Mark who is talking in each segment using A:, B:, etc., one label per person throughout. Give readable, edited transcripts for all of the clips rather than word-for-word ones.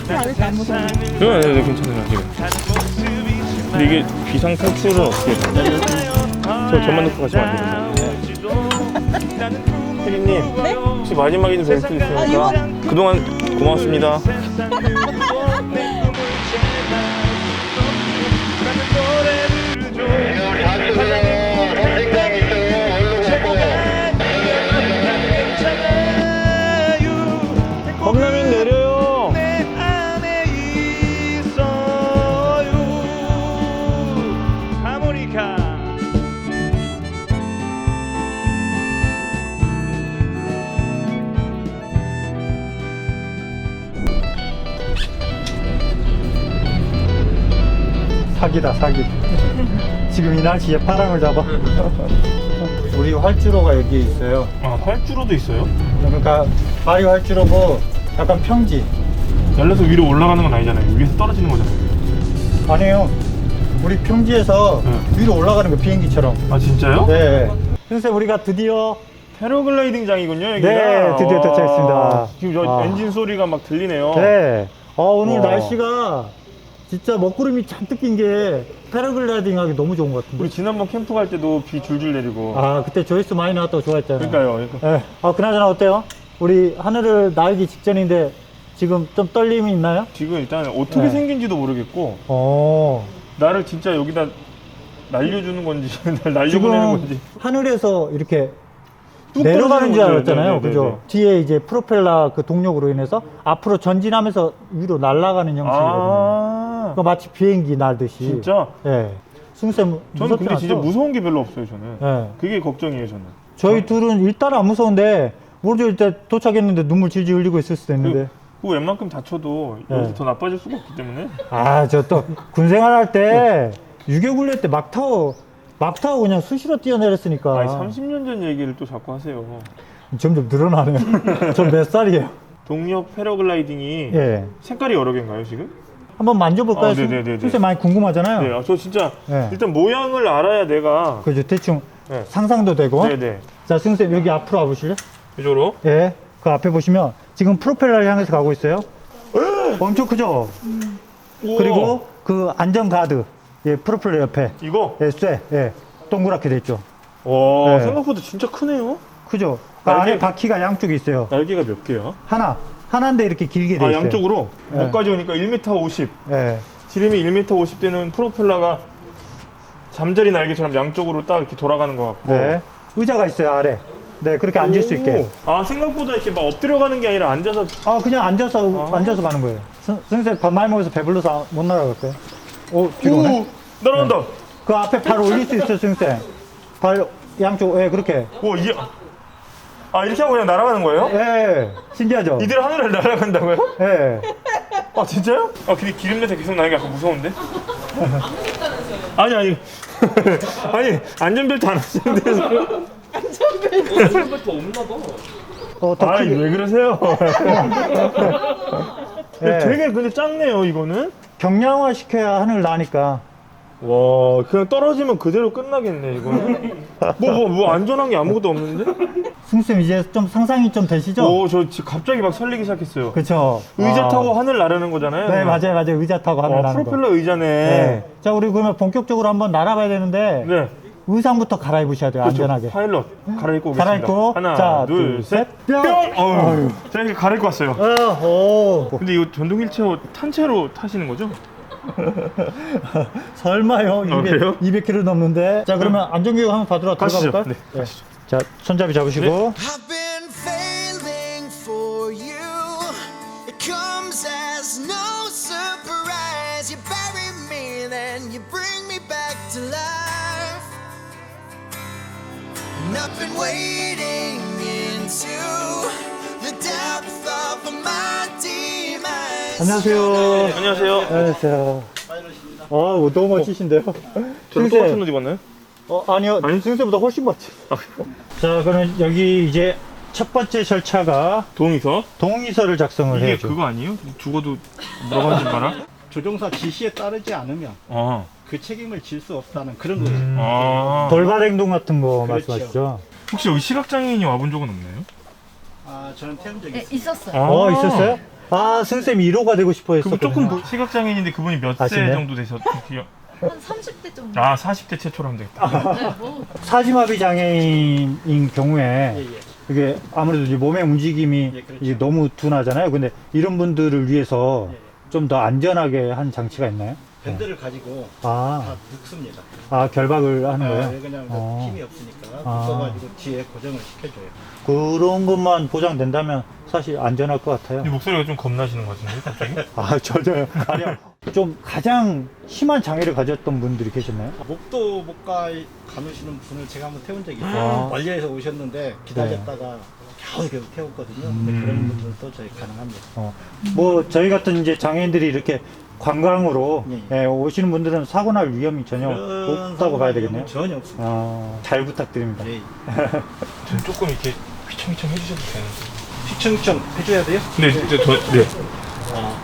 A: 그렇지 않을까 안 무서워.
B: 네, 괜찮아요 지금. 근데 이게 비상 탈출은 어떻게 해요? 저만 놓고 가시면 안 되는데. 혜리님,
A: 네?
B: 혹시 마지막에 좀 뵐 수 있습니까?
A: 이거?
B: 그동안 고맙습니다. 컵라면 내려요.
C: 사기다 사기. 지금 이 날씨에 파랑을 잡아. 우리 활주로가 여기 있어요.
B: 아, 활주로도 있어요?
C: 그러니까 발이 활주로고 약간 평지.
B: 날려서 위로 올라가는 건 아니잖아요. 위에서 떨어지는 거잖아요.
C: 아니에요. 우리 평지에서
B: 네.
C: 위로 올라가는 거 비행기처럼.
B: 아, 진짜요?
C: 네. 선생님 우리가 드디어
B: 패러글라이딩장이군요, 여기가.
C: 네, 드디어 도착했습니다.
B: 지금 저
C: 아.
B: 엔진 소리가 막 들리네요.
C: 네. 오늘
B: 와.
C: 날씨가 진짜 먹구름이 잔뜩 낀 게 패러글라이딩 하기 너무 좋은 것 같은데.
B: 우리 지난번 캠프 갈 때도 비 줄줄 내리고.
C: 아 그때 조회수 많이 나왔다고 좋아했잖아요.
B: 그러니까요.
C: 네. 그나저나 어때요? 우리 하늘을 날기 직전인데 지금 좀 떨림이 있나요?
B: 지금 일단 어떻게
C: 네.
B: 생긴지도 모르겠고
C: 어.
B: 나를 진짜 여기다 날려주는 건지 날려보내는 건지.
C: 지금 하늘에서 이렇게
B: 뚝
C: 내려가는 줄
B: 떨어지는
C: 알았잖아요.
B: 거죠.
C: 그죠? 뒤에 이제 프로펠러 그 동력으로 인해서 앞으로 전진하면서 위로 날아가는 형식이거든요.
B: 아,
C: 그러니까 마치 비행기 날듯이.
B: 진짜?
C: 예. 승쌤
B: 저는
C: 무섭지
B: 근데 진짜
C: 않죠?
B: 무서운 게 별로 없어요, 저는.
C: 예.
B: 그게 걱정이에요, 저는.
C: 저희 둘은 일단 안 무서운데 모르죠. 일단 도착했는데 눈물 질질 흘리고 있을 수도 있는데.
B: 그 웬만큼 다쳐도
C: 네.
B: 여기서 더 나빠질 수가 없기 때문에.
C: 저 또 군생활 할 때 유교훈련 때 막 타고 그냥 수시로 뛰어내렸으니까.
B: 아니, 30년 전 얘기를 또 자꾸 하세요.
C: 점점 늘어나네요. 전 몇 살이에요?
B: 동력 패러글라이딩이
C: 예.
B: 색깔이 여러 개인가요, 지금?
C: 한번 만져볼까요?
B: 네네네네.
C: 선생님 많이 궁금하잖아요.
B: 네, 저 진짜
C: 네.
B: 일단 모양을 알아야 내가.
C: 그죠. 대충
B: 네.
C: 상상도 되고.
B: 네네.
C: 자, 선생님 여기 앞으로 와보실래요?
B: 이쪽으로.
C: 예. 그 앞에 보시면 지금 프로펠러를 향해서 가고 있어요. 엄청 크죠?
B: 우와.
C: 그리고 그 안전 가드. 예, 프로펠러 옆에.
B: 이거?
C: 예, 쇠. 예. 동그랗게 돼 있죠.
B: 와,
C: 네.
B: 생각보다 진짜 크네요.
C: 크죠? 그
B: 날개-
C: 안에 바퀴가 양쪽에 있어요.
B: 날개가 몇 개야?
C: 하나인데 이렇게 길게 돼
B: 아,
C: 있어요.
B: 양쪽으로?
C: 네.
B: 여기까지 오니까 1m 50.
C: 예.
B: 지름이 1m 50 되는 프로펠러가 잠자리 날개처럼 양쪽으로 딱 이렇게 돌아가는 것 같고.
C: 네. 의자가 있어요, 아래. 네, 그렇게 앉을 수 있게.
B: 아, 생각보다 이렇게 막 엎드려 가는 게 아니라 앉아서.
C: 그냥 앉아서 가는 거예요. 선생님 밥 많이 먹어서 배불러서 못 날아갈까요? 뒤로 오네?
B: 날아간다.
C: 그 앞에 발 올릴 수 있어요, 선생님. 발 양쪽, 예, 그렇게.
B: 와, 이게. 아, 이렇게 하고 그냥 날아가는 거예요?
C: 예, 신기하죠?
B: 이들 하늘을 날아간다고요?
C: 예.
B: 아, 진짜요? 아, 근데 기름 냄새 계속 나는 게 약간 무서운데? 아니. 아니, 안전벨트 안 하시는데.
C: 더
B: 아니,
C: 크게.
B: 왜 그러세요?
C: 예.
B: 되게 근데 작네요, 이거는.
C: 경량화 시켜야 하늘 나니까.
B: 와, 그냥 떨어지면 그대로 끝나겠네, 이거는. 뭐 안전한 게 아무것도 없는데?
C: 승쌤 이제 좀 상상이 좀 되시죠?
B: 오, 저 지금 갑자기 막 설레기 시작했어요.
C: 그쵸.
B: 의자 타고 하늘 나르는 거잖아요.
C: 네, 맞아요. 의자 타고 하늘 나는 거.
B: 프로펠러 의자네.
C: 네. 자, 우리 그러면 본격적으로 한번 날아봐야 되는데.
B: 네.
C: 의상부터 갈아입으셔야 돼요,
B: 그렇죠.
C: 안전하게.
B: 파일럿 갈아입고 오겠습니다.
C: 갈아입고.
B: 하나,
C: 자,
B: 둘, 셋.
C: 뿅!
B: 어휴. 제가 이렇게 갈아입고 왔어요.
C: 오.
B: 근데 이거 전동 휠체어 탄체로 타시는 거죠?
C: 설마요?
B: 그래요?
C: 200km 넘는데. 자, 그러면 안전교육 한번 받으러 들어가
B: 가시죠.
C: 볼까요?
B: 네, 가시죠.
C: 자, 손잡이 잡으시고.
D: I've been failing for you. It comes as no surprise. You bury me, then you bring me back to life. And I've been wading into the depth of my demise.
C: 안녕하세요.
B: 안녕하세요.
C: 안녕하세요. 너무 멋지신데요?
B: 저는 똑같은 옷 입었나요?
C: 아니요.
B: 아니?
C: 승세보다 훨씬 멋지. 자, 그러면 여기 이제 첫 번째 절차가
B: 동의서?
C: 동의서를 작성을
B: 이게
C: 해야죠.
B: 그거 아니에요? 죽어도 물어가지 마라?
E: 조종사 지시에 따르지 않으면
B: 아.
E: 그 책임을 질 수 없다는 그런 거죠.
B: 아.
C: 돌발 행동 같은 거
E: 그렇죠.
C: 말씀하시죠?
B: 혹시 여기 시각장애인이 와본 적은 없나요?
E: 저는 태운 적이
A: 네,
E: 있어요.
A: 있었어요.
C: 있었어요? 아, 승쌤 1호가 되고 싶어
B: 그분
C: 했었거든요.
B: 조금 시각장애인인데 그분이 몇 세
C: 아시네?
B: 정도 되셨어요?
A: 한 30대 정도.
B: 아 40대 최초로 하면 되겠다.
A: 네, 뭐
C: 사지마비 장애인인 경우에 이게 아무래도 이제 몸의 움직임이
E: 예, 그렇죠.
C: 이제 너무 둔하잖아요. 근데 이런 분들을 위해서
E: 예.
C: 좀 더 안전하게 한 장치가 있나요?
E: 밴드를 가지고
C: 아,
E: 다 묶습니다.
C: 아 결박을 하는 거예요?
E: 왜냐면
C: 어.
E: 힘이 없으니까
C: 아.
E: 묶어가지고 뒤에 고정을 시켜줘요.
C: 그런 것만 보장된다면 사실 안전할 것 같아요.
B: 이 목소리가 좀 겁나시는 것 같은데 갑자기?
C: 아, 전혀요. 아니요. 좀 가장 심한 장애를 가졌던 분들이 계셨나요?
E: 목도 못 가누시는 분을 제가 한번 태운 적이 있어요.
C: 아.
E: 멀리에서 오셨는데 기다렸다가 겨우 태웠거든요. 근데 그런 분들도 저희 가능합니다.
C: 뭐 저희 같은 이제 장애인들이 이렇게 관광으로
E: 예,
C: 예, 오시는 분들은 사고 날 위험이 전혀
E: 그런
C: 없다고 봐야
E: 상황은
C: 되겠네요.
E: 전혀 없습니다.
C: 잘 부탁드립니다.
E: 예.
B: 전 조금 이렇게 휘청휘청 해주셔도 되는데.
E: 시청청 해줘야 돼요?
B: 네, 진짜 네.
E: 아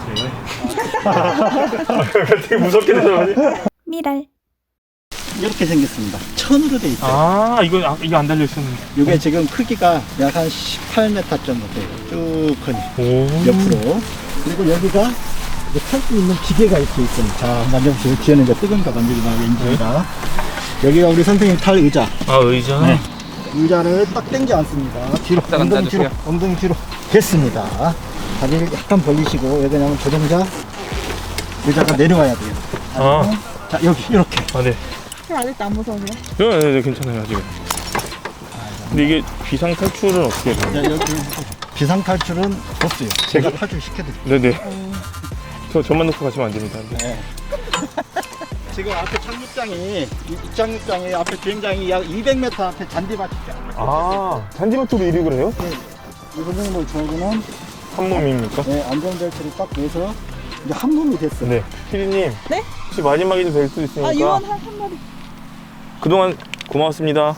E: 그래요?
B: 되게 무섭게 되더라고요.
A: 미랄.
E: 이렇게 생겼습니다. 천으로 돼 있어요.
B: 아 이거 안 달려 있었는데.
E: 이게 지금 크기가 약 한 18m 정도 돼요. 쭉 커니
B: 오.
E: 옆으로. 그리고 여기가 탈 수 있는 기계가 이렇게 있어요. 자, 만져보세요. 뒤에는 이제 뜨거운가 만지기만 하고 인증이라. 여기가 우리 선생님 탈 의자.
B: 아 의자.
E: 네. 의자를 딱 당지 않습니다. 뒤로, 엉덩이 뒤로, 엉덩이 뒤로. 됐습니다. 다리를 약간 벌리시고, 여기 그냥 조정자. 의자가 내려와야 돼요.
B: 아,
E: 자, 여기, 이렇게.
B: 아 네.
A: 아직도 안 무서우세요?
B: 네, 괜찮아요 아직. 근데 이게 비상 탈출은 어떻게 해요?
E: 자, 여기 비상탈출은 없어요. 제가 탈출 시켜드릴게요.
B: 네네. 저만 놓고 가시면 안 됩니다.
E: 네. 지금 앞에 착륙장이, 입착륙장이 앞에 비행장이 약 200m 앞에 잔디밭이 있잖아요.
B: 아 잔디밭으로 이륙을 해요?
E: 이 선생님을 저하고는
B: 한 몸입니까?
E: 네, 안전벨트를 딱 매서 이제 한 몸이 됐어요.
B: 네. 피디님.
A: 네?
B: 혹시 마지막이 될 수 있으니까.
A: 아, 유언 한 마디.
B: 그동안 고마웠습니다.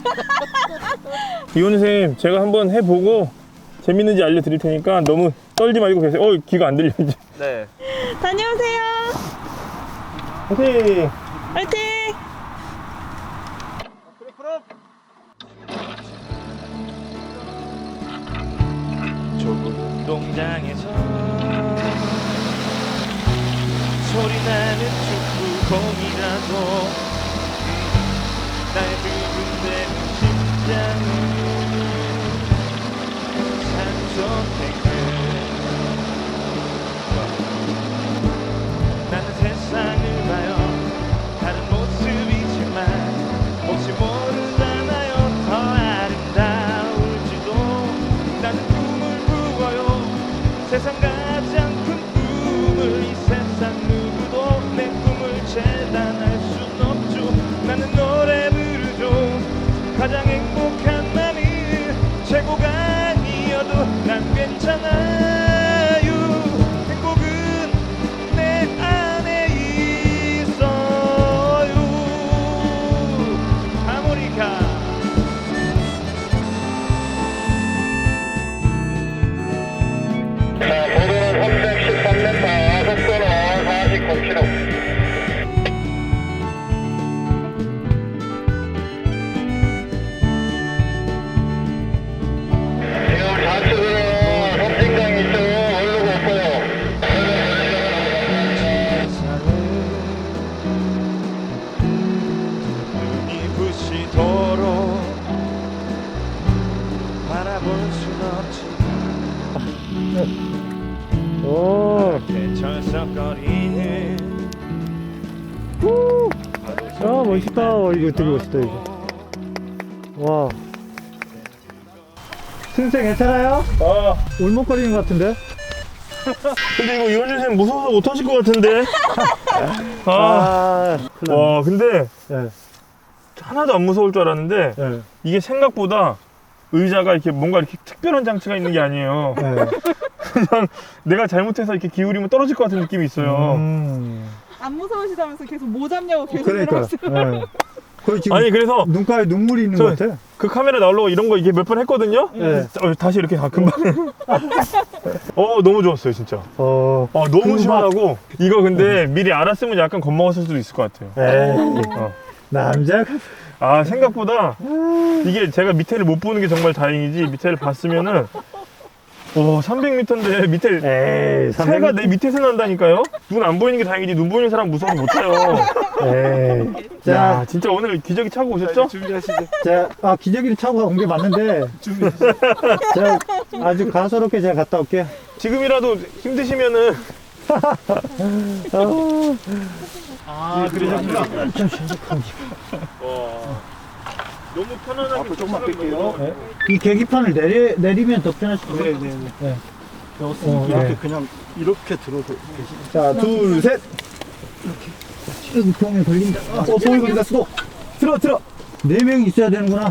B: 이원 선생님, 제가 한번 해보고 재밌는지 알려드릴 테니까 너무 떨지 말고 계세요. 귀가 안 들려 이제.
F: 네.
A: 다녀오세요.
B: 선생님.
A: 화이팅!
B: 좁은 운동장에서 소리나는 축구공이라도 날 두근대는 심장은 산소탱크 나는 세상을 봐요 다른 모습이지만 혹시 모르잖아요 더 아름다울지도 나는 꿈을 꾸어요 세상 가장 큰 꿈을 이 세상 누구도 내 꿈을 재단할 순 없죠 나는 노래 부르죠 가장 행복한 나는 최고가 아니어도 난 괜찮아요 행복은 내 안에 있어요 하모니카
G: 고도는 313m, 속도는 49km. 지금 좌측으로 섬진강 이쪽으로 오르고 있고요.
B: 눈이 부시도록 바라볼 순 없지만
C: 오,
B: 철썩거리는
C: 멋있다. 이거 되게 멋있다, 이거. 와. 승생 괜찮아요? 울먹거리는 것 같은데?
B: 근데 이거 이원준 선생님 무서워서 못하실 것 같은데
C: 큰일
B: 와 근데
C: 났네.
B: 하나도 안 무서울 줄 알았는데
C: 예,
B: 이게 생각보다 의자가 이렇게 뭔가 이렇게 특별한 장치가 있는 게 아니에요.
C: 예.
B: 그냥 내가 잘못해서 이렇게 기울이면 떨어질 것 같은 느낌이 있어요.
A: 안 무서우시다면서 계속 뭐 잡냐고 계속
C: 그러니까.
A: 물어봤어요.
C: 예. 거의 지금
B: 아니 그래서
C: 눈가에 눈물이 있는
B: 저-
C: 것 같아.
B: 그 카메라 나오려고 이런 거 이게 몇 번 했거든요.
C: 네.
B: 다시 이렇게 금방. 너무 좋았어요 진짜. 너무
C: 그거
B: 시원하고 이거 근데 미리 알았으면 약간 겁먹었을 수도 있을 것 같아요.
C: 에이,
B: 어.
C: 남자가.
B: 생각보다 이게 제가 밑에를 못 보는 게 정말 다행이지 밑에를 봤으면은 오, 300m인데 밑에
C: 에이,
B: 새가 내 밑에서 난다니까요? 눈 안 보이는 게 다행이지 눈 보이는 사람 무서워서 못 타요.
C: 에이.
B: 자,
C: 자,
B: 진짜 오늘 기저귀 차고 오셨죠?
C: 자, 기저귀를 차고 온 게 맞는데. 자, 아주 가소롭게 제가 갔다 올게요.
B: 지금이라도 힘드시면은
C: 그러셨구나.
B: 너무 편안하게 조금만 뺄게요.
C: 네. 이 계기판을 내리면 더 편할 수도 있어요. 네.
E: 이렇게 그냥 이렇게 들어서 계시.
C: 자, 둘, 셋.
E: 여기 병에 걸린다.
C: 소리 걸린다, 수도. 들어. 4명이 있어야 되는구나.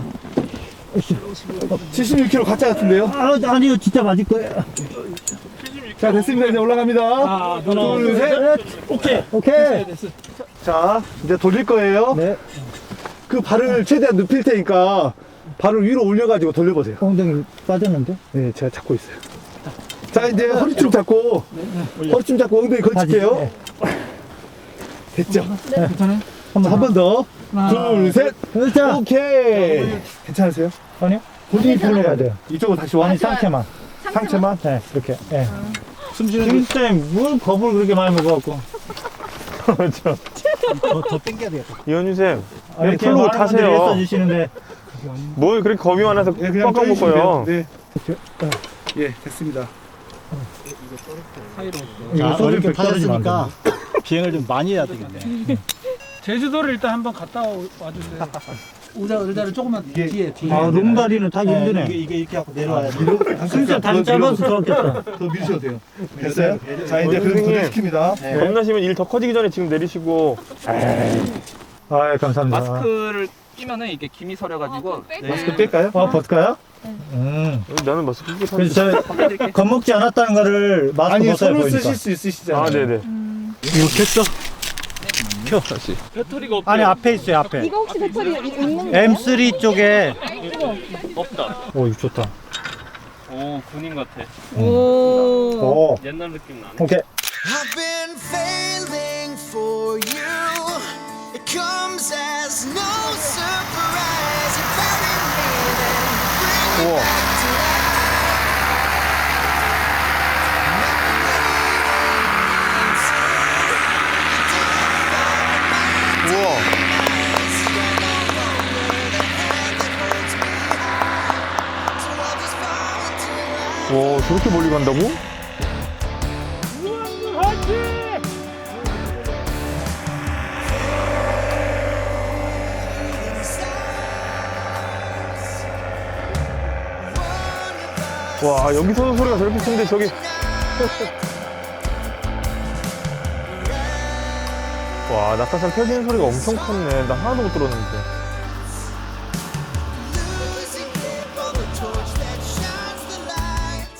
E: 76kg 가짜 같은데요?
C: 아니요, 진짜 맞을 거예요.
E: 자, 됐습니다. 이제 올라갑니다. 둘, 셋. 오케이. 자, 이제 돌릴 거예요.
C: 네.
E: 그 발을 최대한 눕힐 테니까 발을 위로 올려가지고 돌려보세요.
C: 엉덩이 빠졌는데?
E: 네, 제가 잡고 있어요. 자, 이제 허리춤 잡고, 허리춤 잡고 엉덩이 걸칠게요. 됐죠?
C: 네. 괜찮아요?
E: 한 번 더. 둘, 셋.
C: 자,
E: 오케이. 괜찮으세요?
C: 아니요. 본인이 돌려야 돼요.
E: 이쪽으로 다시 와.
C: 아니, 상체만.
E: 상체만.
C: 네, 이렇게. 네.
E: 숨 쉬는 게
C: 김쌤, 뭘 겁을 그렇게 많이 먹어갖고.
B: 그렇죠.
E: 더 당겨야 되겠다.
B: 이현주쌤
C: 아니,
B: 이렇게 풀로 타세요.
C: 했어주시는데.
B: 뭘 그렇게 겁이 많아서
E: 네, 그냥
B: 꽉꽉
E: 쪼이시면
B: 묶어요.
E: 돼요. 네. 예, 됐습니다.
C: 이거 소리 백 떨어지니까.
E: 비행을 좀 많이 해야 되겠네.
F: 제주도를 일단 한번 갔다 와주세요.
E: 의자를 조금만 뒤에.
C: 아, 롱다리는 타기 힘드네.
E: 이게 이렇게 하고 내려와야 돼.
C: 진짜 다리 짧아서 그렇겠다.
E: 더 밀으셔도 돼요. 됐어요? 자, 이제
B: 선생님.
E: 그래서 시킵니다.
B: 겁나시면 일 더 커지기 전에 지금 내리시고.
C: 아, 감사합니다.
H: 마스크를 끼면은 이게 김이 서려가지고
E: 마스크 뺄까요?
C: 벗을까요?
B: 나는 마스크 끼고
C: 그래서
B: 탔는데.
C: 저 겁먹지 않았다는 거를 마스크
E: 아니,
C: 벗어야
E: 손을
C: 보이니까.
E: 쓰실 수 있으시잖아요.
B: 아, 네네.
C: 이거 켰어?
H: 배터리가 없대요.
C: 아니, 앞에 있어요, 앞에.
A: 이거 혹시 배터리 있는 거예요?
C: M3 쪽에.
H: 없다.
C: 오, 이거 좋다.
H: 오 군인 같아.
A: 오.
C: 오,
H: 옛날 느낌 나네.
C: 오케이.
D: I've been failing for you. It comes as no surprise. You bury me, then bring me back to life.
B: 우와. 와, 저렇게 멀리 간다고? 와, 여기서도 소리가 저렇게 큰데 저기. 와, 낙하산 펴지는 소리가 엄청 컸네. 나 하나도 못 들었는데.
D: Losing grip on the torch that shines the light.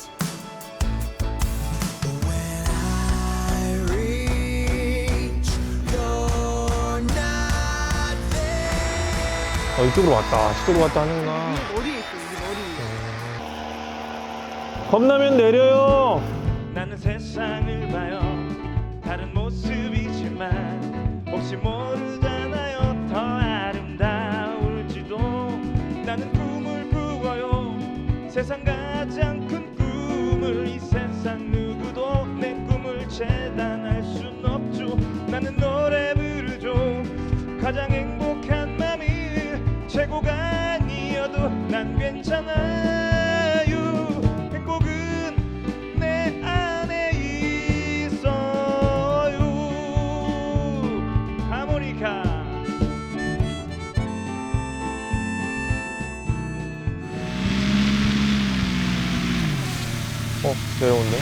D: When I reach, you're not there.
B: 이쪽으로 왔다. 저쪽으로 왔다 하는구나.
A: 머리에 있어, 여기 머리.
B: 겁나면 내려요. 나는 세상을 봐요. 다른 모습이지만 혹시 모르잖아요. 더 아름다울지도. 나는 꿈을 꾸어요. 세상 가장 큰 꿈을. 이 세상 누구도 내 꿈을 재단할 순 없죠. 나는 노래 부르죠. 가장 행복한 맘이 최고가 아니어도 난 괜찮아요. 행복은 내 안에 있어요. 하모니카. 내려온대.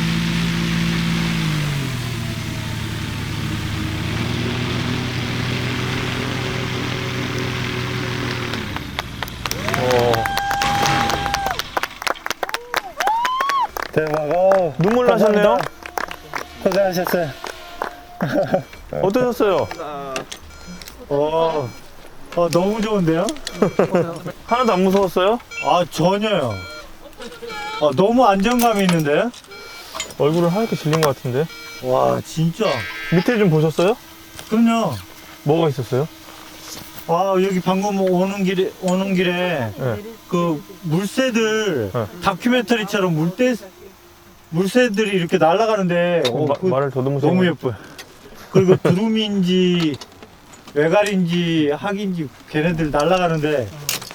C: 대박.
B: 눈물 나셨네요?
C: 고생하셨어요.
B: 어떠셨어요?
C: 너무 좋은데요?
B: 하나도 안 무서웠어요?
C: 아, 전혀요. 너무 안정감이 있는데?
B: 얼굴을 하얗게 질린 것 같은데.
C: 와, 진짜.
B: 밑에 좀 보셨어요?
C: 그럼요.
B: 뭐가 있었어요?
C: 아, 여기 방금 오는 길에
B: 네.
C: 그 물새들
B: 네.
C: 다큐멘터리처럼 물새들이 이렇게 날아가는데
B: 말을 더듬으세요.
C: 너무 예뻐요. 그리고 두루미인지 외갈인지 학인지 걔네들 날아가는데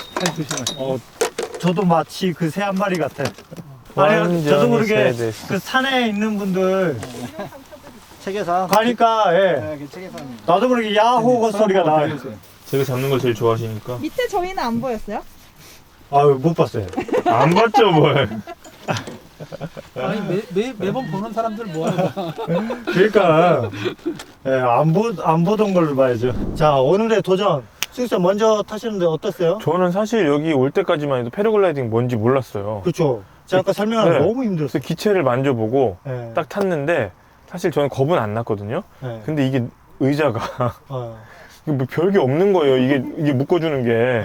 C: 저도 마치 그 새 한 마리 같아요. 아니, 저도 모르게 그 산에 있는 분들
E: 책에서
C: 가니까 나도 모르게 야호 소리가 나요.
B: 제가 잡는 걸 제일 좋아하시니까.
A: 밑에 저희는 안 보였어요?
C: 아유 못 봤어요.
B: 안 봤죠 뭘.
F: 아니 매번 보는 사람들 뭐하는 거야?
C: 그러니까 안 보던 걸로 봐야죠. 자 오늘의 도전 승쌤 먼저 타시는데 어땠어요?
B: 저는 사실 여기 올 때까지만 해도 패러글라이딩 뭔지 몰랐어요.
C: 그렇죠. 제가 아까 설명하는
B: 네.
C: 너무 힘들었어요.
B: 그래서 기체를 만져보고
C: 네.
B: 딱 탔는데 사실 저는 겁은 안 났거든요.
C: 네.
B: 근데 이게 의자가 이게 뭐 별게 없는 거예요. 이게 묶어주는 게.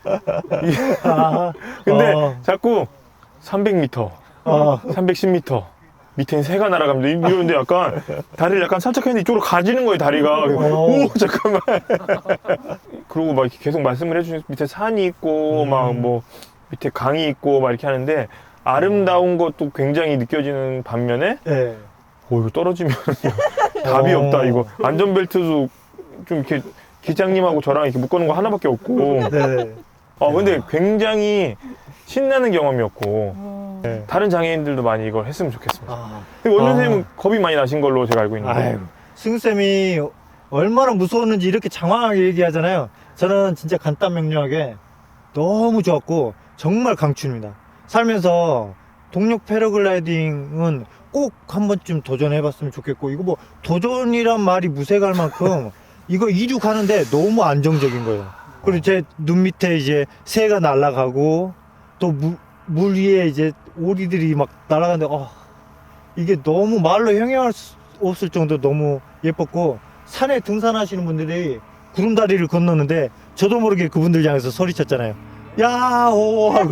B: 근데 자꾸 300m, 310m 밑에 새가 날아갑니다. 이러는데 약간 다리를 약간 살짝 했는데 이쪽으로 가지는 거예요. 다리가. 오 잠깐만. 그리고 막 이렇게 계속 말씀을 해주신 밑에 산이 있고 막 뭐 밑에 강이 있고 막 이렇게 하는데 아름다운 것도 굉장히 느껴지는 반면에 이거 떨어지면 답이 없다. 이거 안전벨트도 좀 이렇게 기장님하고 저랑 이렇게 묶어놓은 거 하나밖에 없고. 근데 굉장히 신나는 경험이었고 다른 장애인들도 많이 이걸 했으면 좋겠습니다. 원준 선생님은 겁이 많이 나신 걸로 제가 알고 있는데.
C: 승쌤이 얼마나 무서웠는지 이렇게 장황하게 얘기하잖아요. 저는 진짜 간단 명료하게 너무 좋았고 정말 강추입니다. 살면서 동력 패러글라이딩은 꼭 한 번쯤 도전해봤으면 좋겠고, 이거 뭐 도전이란 말이 무색할 만큼 이거 이륙하는데 너무 안정적인 거예요. 그리고 제 눈 밑에 이제 새가 날아가고 또 물 위에 이제 오리들이 막 날아가는데 이게 너무 말로 형용할 수 없을 정도로 너무 예뻤고, 산에 등산하시는 분들이 구름다리를 건너는데 저도 모르게 그분들 향해서 소리쳤잖아요. 야호 하고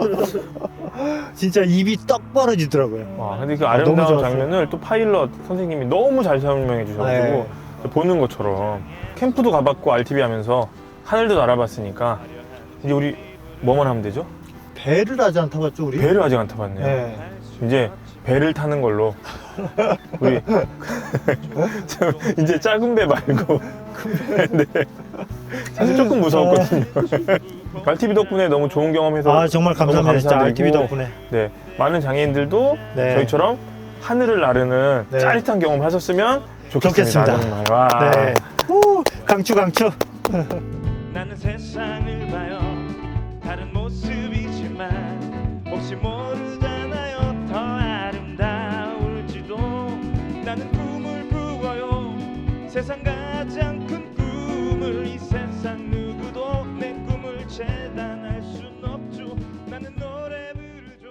C: 진짜 입이 떡 벌어지더라고요.
B: 와, 근데 그 아름다운 장면을 또 파일럿 선생님이 너무 잘 설명해 주셔가지고 보는 것처럼 캠프도 가봤고 RTV 하면서 하늘도 날아봤으니까 이제 우리 뭐만 하면 되죠?
C: 배를 아직 안 타봤죠 우리?
B: 배를 아직 안 타봤네요. 이제 배를 타는 걸로 우리 이제 작은 배 말고 큰 배. 사실 조금 무서웠거든요. RTV 덕분에 너무 좋은 경험해서
C: 정말 감사합니다. 진짜 RTV 덕분에.
B: 네, 많은 장애인들도 저희처럼 하늘을 나르는 짜릿한 경험을 하셨으면 좋겠습니다. 정말. 와.
C: 네. 강추.
B: 나는 세상을 봐요. 다른 모습이지만 혹시 모르잖아요. 더 아름다울지도. 나는 꿈을 꾸어요. 세상과